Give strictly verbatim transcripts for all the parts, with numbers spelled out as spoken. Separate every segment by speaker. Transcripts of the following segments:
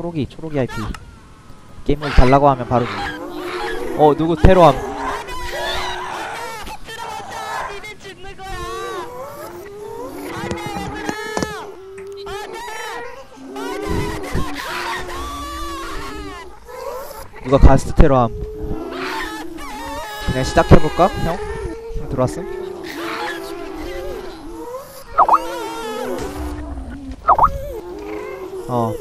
Speaker 1: 초록이 초록이 아이피. 게임 모드 달라고 하면 바로 줘. 어 누구 테러함. 누가 가스트 테러함. 그냥 시작해볼까? 형? 형 들어왔음? 어.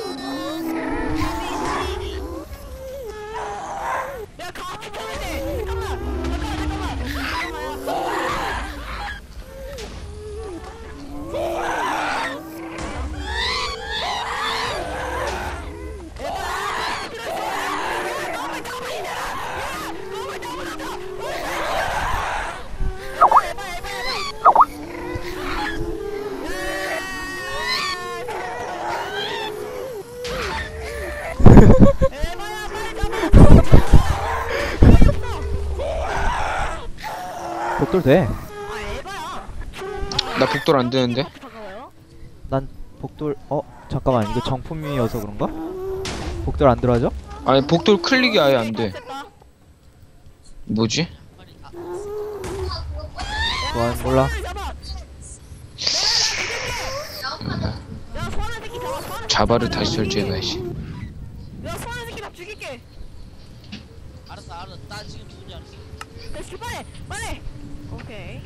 Speaker 1: 복돌 돼.
Speaker 2: 나 복돌 안 되는데?
Speaker 1: 난 복돌 어 잠깐만 이거 정품이어서 그런가? 복돌 안 들어가죠?
Speaker 2: 아니 복돌 클릭이 아예 안 돼. 뭐지?
Speaker 1: 좋아 몰라.
Speaker 2: 자바를 다시 설치해봐야지.
Speaker 3: 알았어 알았어 나 지금 누군지 알았어. 빨리 빨리. 오케이.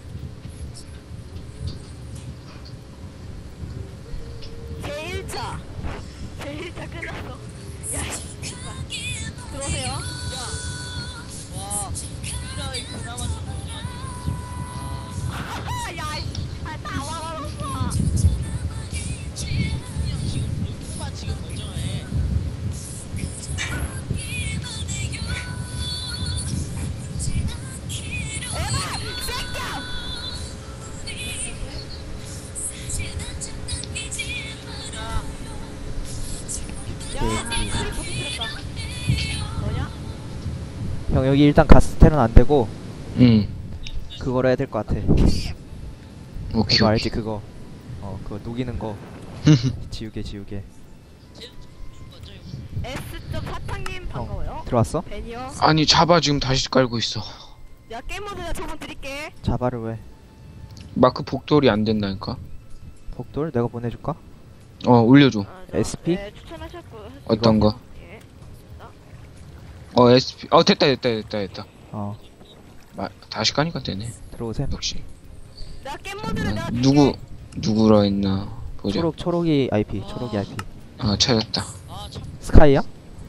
Speaker 3: 제일 차 제일 차 끝났어. 야 들어오세요. 와 이라이 그나마 좀 야 다 와버렸어. 지금 누구만 지금 멀쩡해.
Speaker 1: 형 여기 일단 가스테는 안 되고.
Speaker 2: 응.
Speaker 1: 그거로 해야 될 것 같아.
Speaker 2: 오케이.
Speaker 1: 그거 알지 그거. 어 그거 녹이는 거. 지우개 지우개.
Speaker 3: S쪽 사탕님 반가워요.
Speaker 1: 들어왔어?
Speaker 3: 벤이요.
Speaker 2: 아니 자바 지금 다시 깔고 있어.
Speaker 3: 야 게임 모드 내가 저번 드릴게.
Speaker 1: 자바를 왜?
Speaker 2: 마크 복돌이 안 된다니까.
Speaker 1: 복돌 내가 보내줄까?
Speaker 2: 어 올려줘.
Speaker 3: 아, 저,
Speaker 1: 에스피?
Speaker 3: 네, 추천하셨고.
Speaker 2: 어떤 거?
Speaker 3: 예.
Speaker 2: 어 에스피. 어 됐다 됐다 됐다 됐다.
Speaker 1: 어
Speaker 2: 마, 다시 까니까 되네.
Speaker 1: 들어오셈.
Speaker 2: 역시.
Speaker 3: 나 게임 모드를 내가
Speaker 2: 누구 누구라 했나 보자.
Speaker 1: 초록 초록이 아이피 초록이 아이피.
Speaker 2: 아 찾았다.
Speaker 1: 스카이야?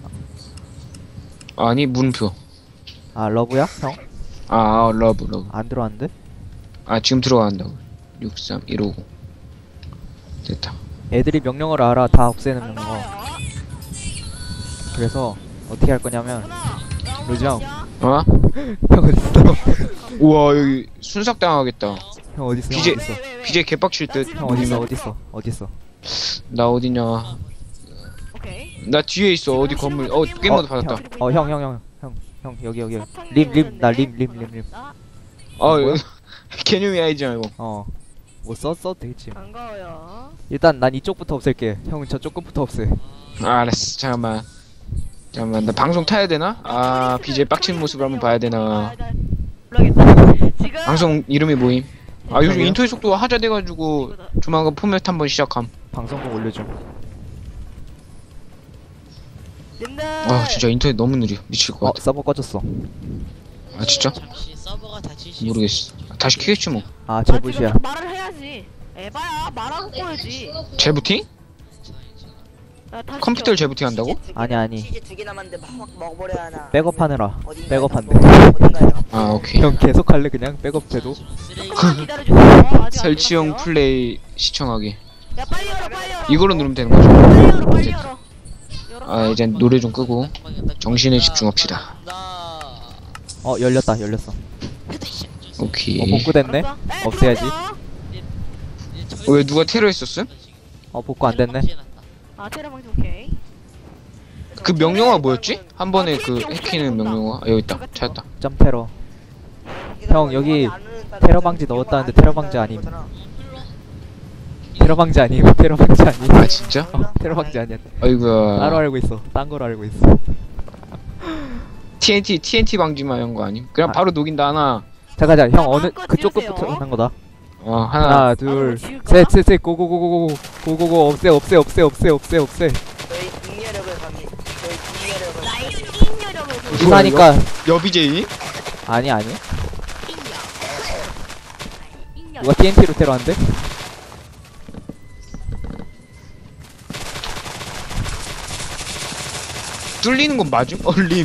Speaker 2: 아니 문표.
Speaker 1: 아 러브야? 형?
Speaker 2: 아 어, 러브 러브.
Speaker 1: 안 들어왔는데?
Speaker 2: 아 지금 들어간다고. 육삼 일오공. 됐다.
Speaker 1: 애들이 명령어를 알아. 다 없애는 명령어.
Speaker 3: 반가워요.
Speaker 1: 그래서 어떻게 할 거냐면 로지형
Speaker 2: 어?
Speaker 1: 형 어딨어?
Speaker 2: 우와 여기 순삭 당하겠다.
Speaker 1: 형 어딨어?
Speaker 2: 비제-
Speaker 1: 형 어딨어?
Speaker 2: 비제 개빡칠 듯.
Speaker 1: 형 어딨어? 어딨어? 어딨어?
Speaker 2: 나 어디냐?
Speaker 3: 오케이.
Speaker 2: 나 뒤에 있어. 어디 건물? 어 게임 모드 받았다.
Speaker 1: 어 형 형 형 형 형 여기 여기 림 림 나 림 림 림 림.
Speaker 2: 어
Speaker 1: 뭐야?
Speaker 2: 개념이 아니지 말고.
Speaker 1: 어. 뭐 써? 써도 되겠지.
Speaker 3: 반가워요.
Speaker 1: 일단 난 이쪽부터 없앨게. 형은 저쪽 끝부터 없애.
Speaker 2: 아, 알았어. 잠깐만. 잠깐만. 나 방송 타야 되나? 아 비제 빡친 모습을 한번 봐야 되나?
Speaker 3: 모르겠다. 지금
Speaker 2: 방송 이름이 뭐임? 아 요즘
Speaker 1: 저기요?
Speaker 2: 인터넷 속도가 하자돼가지고 조만간 포맷 한번 시작함.
Speaker 1: 방송국 올려줘.
Speaker 3: 님들.
Speaker 2: 아 진짜 인터넷 너무 느려. 미칠 것
Speaker 1: 어
Speaker 2: 같아.
Speaker 1: 서버 꺼졌어.
Speaker 2: 아 진짜?
Speaker 3: 잠시 서버가 다시
Speaker 2: 모르겠어. 다시 키겠지 뭐.
Speaker 1: 아
Speaker 3: 아,
Speaker 1: 제부시야.
Speaker 3: 지금 말을 해야지. 에바야 말하고 꺼야지.
Speaker 2: 재부팅?
Speaker 3: 나 다시
Speaker 2: 컴퓨터를
Speaker 3: 켜.
Speaker 2: 재부팅 한다고?
Speaker 1: 아니 아니.
Speaker 4: 치즈 두 개 남았는데 막 먹어버려야 하나.
Speaker 1: 백업하느라.
Speaker 4: 어딘가에
Speaker 1: 백업한대.
Speaker 4: 어딘가에
Speaker 2: 아 오케이.
Speaker 1: 형 계속 할래 그냥 백업해도.
Speaker 3: 조금만 기다려주세요. 아직 안
Speaker 2: 설치용
Speaker 3: 끝났어요.
Speaker 2: 플레이 시청하기.
Speaker 3: 야 빨리 열어 빨리 열어.
Speaker 2: 이걸로 누르면 되는 거죠?
Speaker 3: 빨리 열어 빨리 열어. 열어.
Speaker 2: 아 이제 노래 좀 끄고 정신에 집중합시다.
Speaker 1: 어 열렸다 열렸어.
Speaker 2: 오케이.
Speaker 1: 어 복구 됐네.
Speaker 3: 알았어? 에,
Speaker 1: 없애야지.
Speaker 3: 들어오세요.
Speaker 2: 어, 왜 누가 테러 했었음?
Speaker 1: 어 복구 안 됐네.
Speaker 3: 아 테러 방지 오케이.
Speaker 2: 그 명령어가 뭐였지? 한 번에 그 해키는 명령어. 아, 여기 있다. 찾았다.
Speaker 1: 점 테러. 형, 여기 테러 방지 넣었다는데 테러 방지 아님. 테러 테러 방지 아니에요? 테러 방지 아니에요?
Speaker 2: 아 진짜?
Speaker 1: 어, 테러 방지 아니야.
Speaker 2: 아이고야.
Speaker 1: 따로 알고 있어. 딴 거로 알고 있어.
Speaker 2: 티엔티 TNT 방지만 한 거 아님? 그냥
Speaker 1: 아.
Speaker 2: 바로 녹인다 하나.
Speaker 1: 잠깐 자, 형 어느
Speaker 3: 마음껏
Speaker 1: 그쪽
Speaker 3: 지으세요.
Speaker 1: 것부터 한 거다.
Speaker 2: 어 하나.
Speaker 1: 하나,
Speaker 3: 아,
Speaker 1: 둘,
Speaker 3: 지을 거야?
Speaker 1: 셋, 셋, 셋, 고고고고고고, 고고고, 없애, 없애, 없애, 없애, 없애, 없애.
Speaker 4: 저희 잉여력을 갑니다. 저희 잉여력을.
Speaker 3: 나의 인여력을 보여.
Speaker 1: 무슨하니까
Speaker 2: 여비제이?
Speaker 1: 아니 아니.
Speaker 3: 인여.
Speaker 1: 누가 티엔티로 테러한대?
Speaker 2: 뚫리는 건 맞음? 얼림.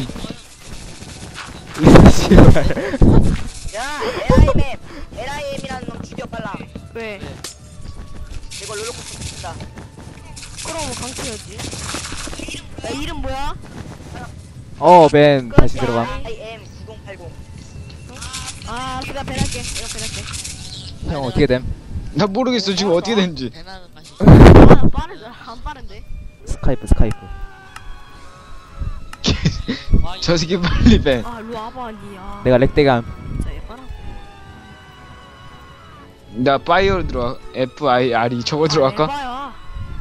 Speaker 1: 씨발.
Speaker 4: 야, 엘아이엠, 엘아이엠이라는 놈 죽여 빨라.
Speaker 3: 왜?
Speaker 4: 이거 롤러코스터 진다.
Speaker 3: 그럼 강태였지. 야 이름 뭐야?
Speaker 1: 어, 맨 다시 들어감.
Speaker 4: 아이엠 구공팔공.
Speaker 3: 아 내가 배할게. 내가 배할게.
Speaker 1: 형 어떻게 됨?
Speaker 2: 나 모르겠어 지금 어떻게 됐는지.
Speaker 3: 배나는 맛이. 아 빠르다. 안 빠른데.
Speaker 1: 스카이프, 스카이프.
Speaker 2: 저 새끼 빨리 배.
Speaker 3: 아 일로 와봐 니. 아.
Speaker 1: 내가 렉대감.
Speaker 3: 진짜 얘봐라.
Speaker 2: 나 파이어로 들어와. F I R E 저거 들어갈까?
Speaker 3: 에바야.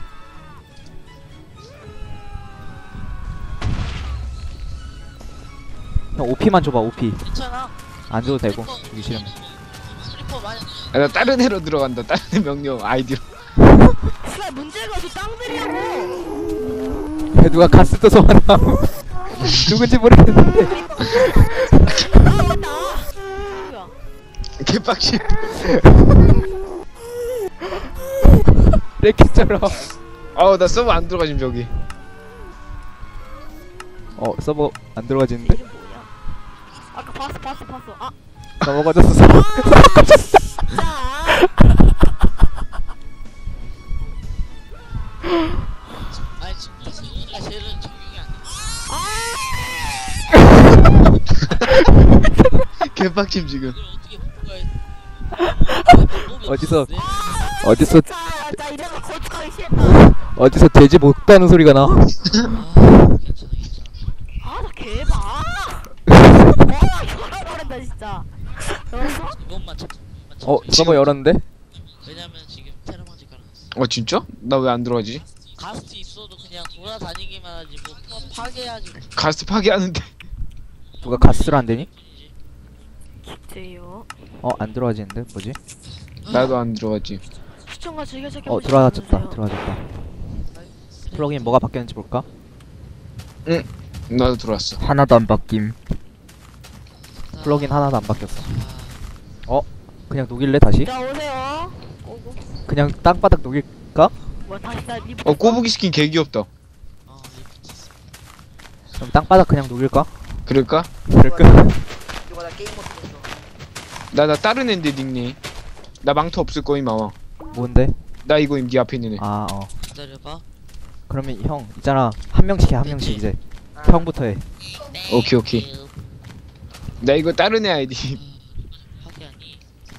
Speaker 1: 형 오피만 줘봐, 오피.
Speaker 3: 괜찮아.
Speaker 1: 안 줘도 되고. 주기 싫으면.
Speaker 3: 슬리퍼 많이.
Speaker 2: 아, 나 다른 애로 들어간다. 다른 애 명령 아이디로.
Speaker 3: 씨발 문제가 저 땅들이라고.
Speaker 1: 왜 누가 가스 떠서 왔나? 누군지 모르겠는데.
Speaker 3: 아 맞다. 누구야?
Speaker 2: 개빡치.
Speaker 1: 렉키처럼.
Speaker 2: 아우 나 서버 안 들어가 지금 저기.
Speaker 1: 어, 서버 안 들어가지는데?
Speaker 3: 이름 뭐냐? 아까 봤어 봤어 봤어. 아
Speaker 1: 서버 꺼졌어, 서버.
Speaker 3: 진짜.
Speaker 5: 아니 지금 이승이가 제일은 적용이 안 돼.
Speaker 2: 개빡침 지금.
Speaker 5: 이걸 어떻게 바꿔야 돼?
Speaker 1: 어디서, 어디서,
Speaker 3: 자, 자 이래서 거짓하기 싫다.
Speaker 1: 어디서 돼지 못다는 소리가 나?
Speaker 5: 아, 괜찮아 괜찮아.
Speaker 3: 아, 나 개봐. 와, 열어버린다 진짜. 열었어?
Speaker 5: 이것만 찾자. 이것만 찾자.
Speaker 1: 어, 서버 열었는데?
Speaker 5: 왜냐면 지금 테러 방지 깔아놨어.
Speaker 2: 어 진짜? 나 왜 안 들어가지?
Speaker 5: 가스트 있어도 그냥 돌아다니기만 하지 뭐 파- 파괴하지.
Speaker 2: 가스 파괴하는데.
Speaker 1: 누가 가스를 안 되니?
Speaker 3: 기대요.
Speaker 1: 어, 안 들어가지는데? 뭐지?
Speaker 2: 나도 안 들어가지.
Speaker 3: 시청과 즐겨찾기
Speaker 1: 어, 들어와졌다, 들어와졌다. 플러그인 뭐가 바뀌었는지 볼까?
Speaker 2: 나도 들어왔어.
Speaker 1: 하나도 안 바뀜. 플러그인 하나도 안 바뀌었어. 어? 그냥 녹일래, 다시?
Speaker 3: 자 오세요. 오고.
Speaker 1: 그냥 땅바닥 녹일까?
Speaker 3: 뭐 다시 다 리포트.
Speaker 2: 어 꼬부기 스킨 개 귀엽다.
Speaker 5: 어, 리프트 있어.
Speaker 1: 그럼 땅바닥 그냥 녹일까?
Speaker 2: 그럴까?
Speaker 1: 그럴까?
Speaker 4: 이거 나 게임 못했어.
Speaker 2: 나 나 다른 앤데 닉네임. 나 망토 없을 거임 아마.
Speaker 1: 뭔데?
Speaker 2: 나 이거임 네 앞에 있는 애.
Speaker 1: 아, 어.
Speaker 5: 기다려봐.
Speaker 1: 그러면 형, 있잖아. 한 명씩 해, 한 명씩 이제.
Speaker 4: 아,
Speaker 1: 형부터 해.
Speaker 2: 오케이 오케이. 나 이거 다른 애 아이디.
Speaker 5: 파괴하니.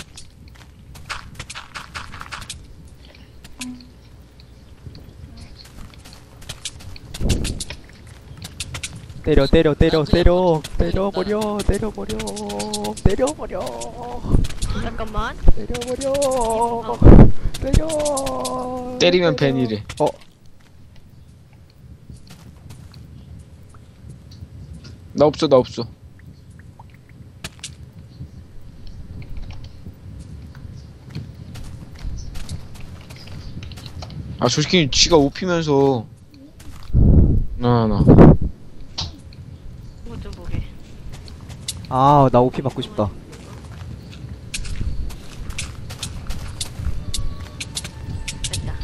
Speaker 1: 때려, 때려, 때려, 때려. 때려버려, 때려버려. 때려버려.
Speaker 3: 잠깐만.
Speaker 1: 때려버려. 때려.
Speaker 2: 때리면
Speaker 1: 때려.
Speaker 2: 벤이래.
Speaker 1: 어,
Speaker 2: 나 없어 나 없어. 아 솔직히 지가 오피면서 나나
Speaker 3: 이거 좀 보게.
Speaker 1: 아, 나 오피 받고 싶다.
Speaker 3: 됐다.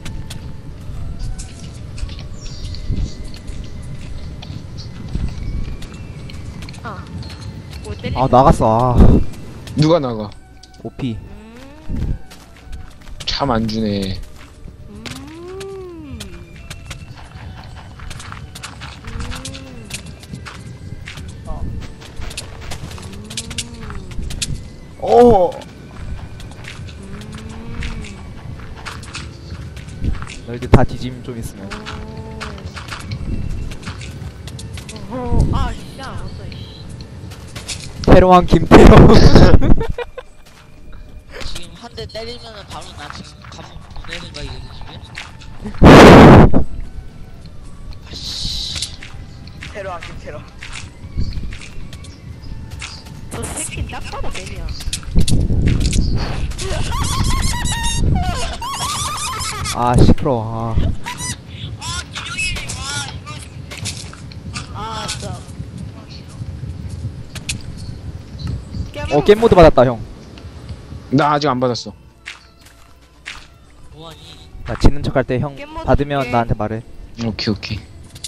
Speaker 3: 아. 뭐 때리?
Speaker 1: 아, 나갔어. 아,
Speaker 2: 누가 나가?
Speaker 1: 오피.
Speaker 3: 음.
Speaker 2: 참 안 주네.
Speaker 3: 음.
Speaker 1: 오. 너희들 다 뒤짐 좀 있으면.
Speaker 3: 어, 아, 진짜 안 왔어.
Speaker 1: 테러왕 김테러.
Speaker 5: 지금 한 대 때리면은 바로 나 지금 감옥 내 생각이거든 지금. 아씨.
Speaker 4: 테러 안김 테러.
Speaker 6: 저 새끼 딱 봐도 뱀이야.
Speaker 1: 아 시끄러워. 아.
Speaker 6: 아, 진짜.
Speaker 1: 어 게임 모드 받았다 형.
Speaker 2: 나 아직 안 받았어.
Speaker 5: 뭐하니?
Speaker 1: 나 지는 척 할 때 형
Speaker 6: 게임 모드
Speaker 1: 받으면
Speaker 6: 줄게.
Speaker 1: 나한테 말해.
Speaker 2: 오케이 오케이.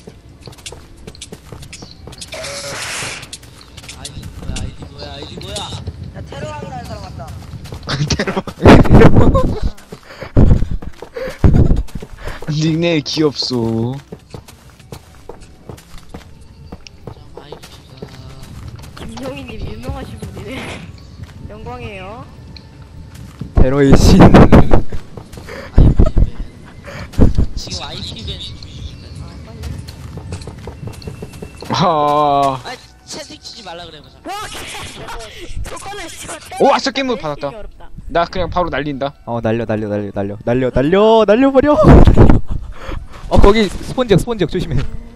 Speaker 5: 아이디 뭐야 아이디 뭐야 아이디 뭐야.
Speaker 4: 야 테러왕이라는 사람 왔다.
Speaker 2: 닉네임 귀엽소.
Speaker 5: 자 아이디가.
Speaker 6: 김용희님 유명하신 분이네. 영광이에요.
Speaker 1: 테러의 신.
Speaker 5: 아이디벤. 지금 아이디벤 중입니다.
Speaker 6: 아, 빨리.
Speaker 2: 아.
Speaker 5: 아 채팅 치지 말라 그래 보자.
Speaker 6: 와, 조건을 씨발.
Speaker 2: 오, 아싸, 게임 모드 받았다.
Speaker 6: 어렵다.
Speaker 2: 나 그냥 바로 날린다.
Speaker 1: 어 날려 날려 날려 날려 날려 날려 날려버려. 어 거기 스폰지역 스폰지역 조심해.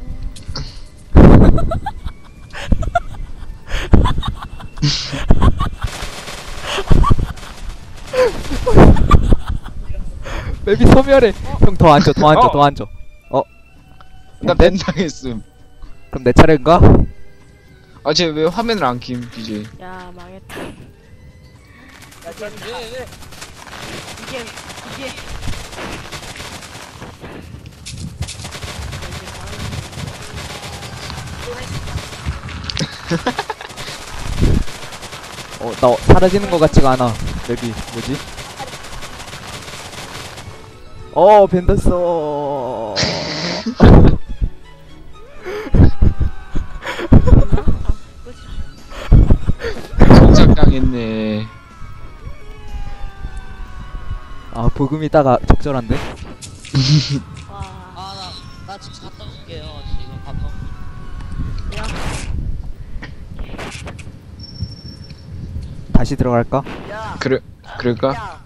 Speaker 1: 맵이 소멸해. 형 더 앉아 더 앉아
Speaker 2: 어.
Speaker 1: 더 앉아. 어
Speaker 2: 나
Speaker 1: 네?
Speaker 2: 벤 당했음.
Speaker 1: 그럼 내 차례인가?
Speaker 2: 아, 쟤 왜 화면을 안 킴, 비제이.
Speaker 6: 야, 망했다.
Speaker 4: 야쟤 왜 왜?
Speaker 6: 이게 이게
Speaker 1: 어 나 사라지는 것 같지가 않아. 맵이 뭐지? 어 벤더서.
Speaker 2: 성장당했네.
Speaker 1: 아 복음이 따가 적절한데?
Speaker 6: 와.
Speaker 5: 아나나 지금 갔다 올게요. 지금 바텀.
Speaker 6: 야,
Speaker 1: 다시 들어갈까?
Speaker 4: 야.
Speaker 2: 그래, 그럴까?
Speaker 4: 야.